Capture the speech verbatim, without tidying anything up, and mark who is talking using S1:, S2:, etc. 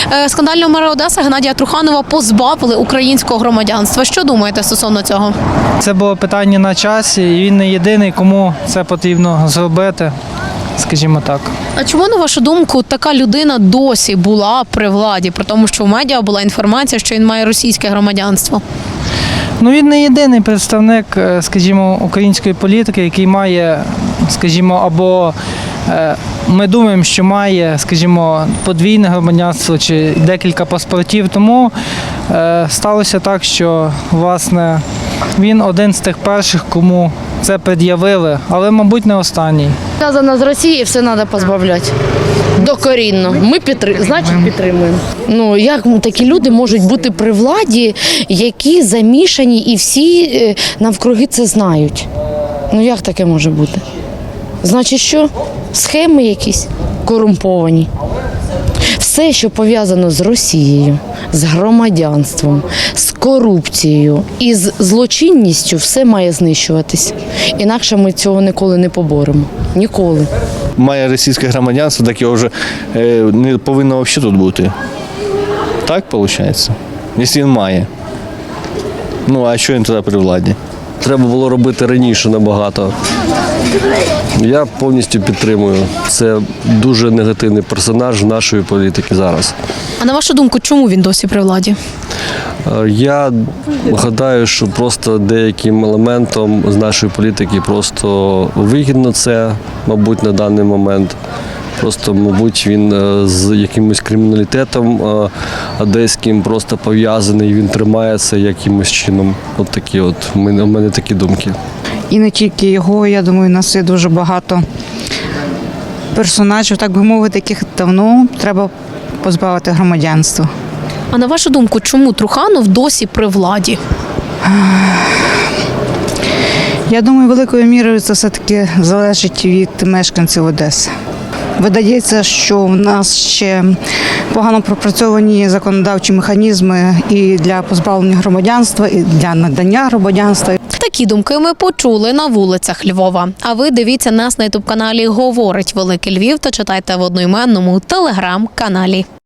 S1: Скандального мера Одеси Геннадія Труханова позбавили українського громадянства. Що думаєте стосовно цього?
S2: Це було питання на часі, і він не єдиний, кому це потрібно зробити, скажімо так.
S1: А чому, на вашу думку, така людина досі була при владі, при тому, що в медіа була інформація, що він має російське громадянство?
S2: Ну, він не єдиний представник, скажімо, української політики, який має, скажімо, або е, ми думаємо, що має, скажімо, подвійне громадянство чи декілька паспортів. Тому е, сталося так, що, власне, він один з тих перших, кому це пред'явили, але, мабуть, не останній.
S3: Зв'язано з Росією, все треба позбавляти. Докорінно. Ми підтримуємо, значить підтримуємо. Ну, як такі люди можуть бути при владі, які замішані і всі навкруги це знають? Ну, як таке може бути? Значить, що? Схеми якісь корумповані. Все, що пов'язано з Росією, з громадянством, з корупцією і з злочинністю, все має знищуватись. Інакше ми цього ніколи не поборемо. Ніколи.
S4: Має російське громадянство, так його вже не повинно взагалі тут бути. Так виходить? Якщо він має. Ну, а що він тоді при владі?
S5: Треба було робити раніше набагато. Я повністю підтримую. Це дуже негативний персонаж нашої політики зараз.
S1: А на вашу думку, чому він досі при владі?
S5: Я гадаю, що просто деяким елементом з нашої політики просто вигідно це, мабуть, на даний момент. Просто, мабуть, він з якимось криміналітетом одеським просто пов'язаний, він тримається якимось чином. От такі от, у мене, у мене такі думки.
S6: І не тільки його, я думаю, у нас є дуже багато персонажів, так би мовити, яких давно треба позбавити громадянства.
S1: А на вашу думку, чому Труханов досі при владі?
S6: Я думаю, великою мірою це все-таки залежить від мешканців Одеси. Видається, що в нас ще погано пропрацьовані законодавчі механізми і для позбавлення громадянства, і для надання громадянства.
S1: Такі думки ми почули на вулицях Львова. А ви дивіться нас на ютуб-каналі «Говорить Великий Львів» та читайте в одноіменному телеграм-каналі.